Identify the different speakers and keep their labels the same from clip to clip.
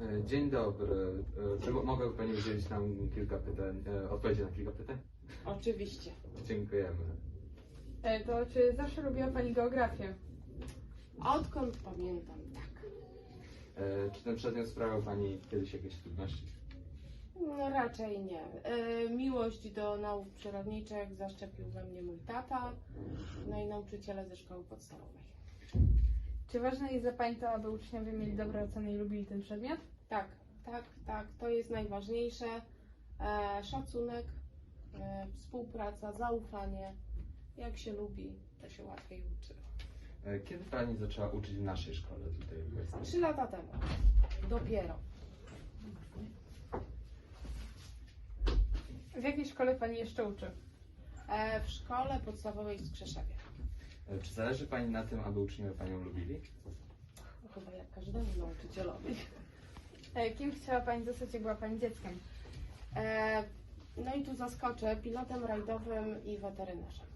Speaker 1: Dzień dobry. Czy mogę Pani udzielić nam kilka pytań, odpowiedzi na kilka pytań?
Speaker 2: Oczywiście.
Speaker 1: Dziękujemy.
Speaker 3: To czy zawsze lubiła Pani geografię?
Speaker 2: Odkąd pamiętam, tak.
Speaker 1: Czy ten przedmiot sprawiał Pani kiedyś jakieś trudności?
Speaker 2: No raczej nie. Miłość do nauk przyrodniczych zaszczepił we mnie mój tata, no i nauczyciele ze szkoły podstawowej.
Speaker 3: Czy ważne jest dla Pani to, aby uczniowie mieli dobre oceny i lubili ten przedmiot?
Speaker 2: Tak, tak, to jest najważniejsze. Szacunek, współpraca, zaufanie. Jak się lubi, to się łatwiej uczy.
Speaker 1: Kiedy Pani zaczęła uczyć w naszej szkole tutaj w Łęce?
Speaker 2: 3 lata temu. Dopiero.
Speaker 3: W jakiej szkole Pani jeszcze uczy?
Speaker 2: W szkole podstawowej w Skrzeszewie.
Speaker 1: Czy zależy Pani na tym, aby uczniowie Panią lubili?
Speaker 2: No, chyba jak każdemu nauczycielowi.
Speaker 3: Kim chciała Pani zostać, jak była Pani dzieckiem?
Speaker 2: No i tu zaskoczę, pilotem rajdowym i weterynarzem.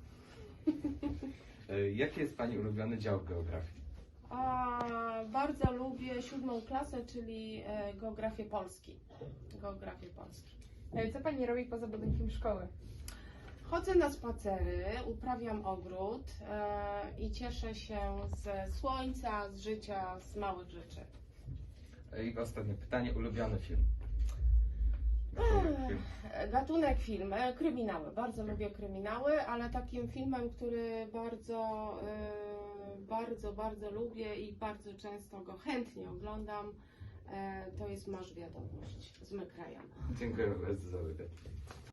Speaker 1: Jaki jest Pani ulubiony dział geografii?
Speaker 2: Bardzo lubię 7. klasę, czyli geografię Polski. Geografię Polski.
Speaker 3: Co Pani robi poza budynkiem szkoły?
Speaker 2: Chodzę na spacery, uprawiam ogród i cieszę się ze słońca, z życia, z małych rzeczy.
Speaker 1: I ostatnie pytanie, ulubiony film?
Speaker 2: Gatunek film, kryminały. Bardzo lubię kryminały, ale takim filmem, który bardzo lubię i bardzo często go chętnie oglądam, to jest Masz wiadomość z Mekrajana.
Speaker 1: Dziękuję bardzo za wywiad.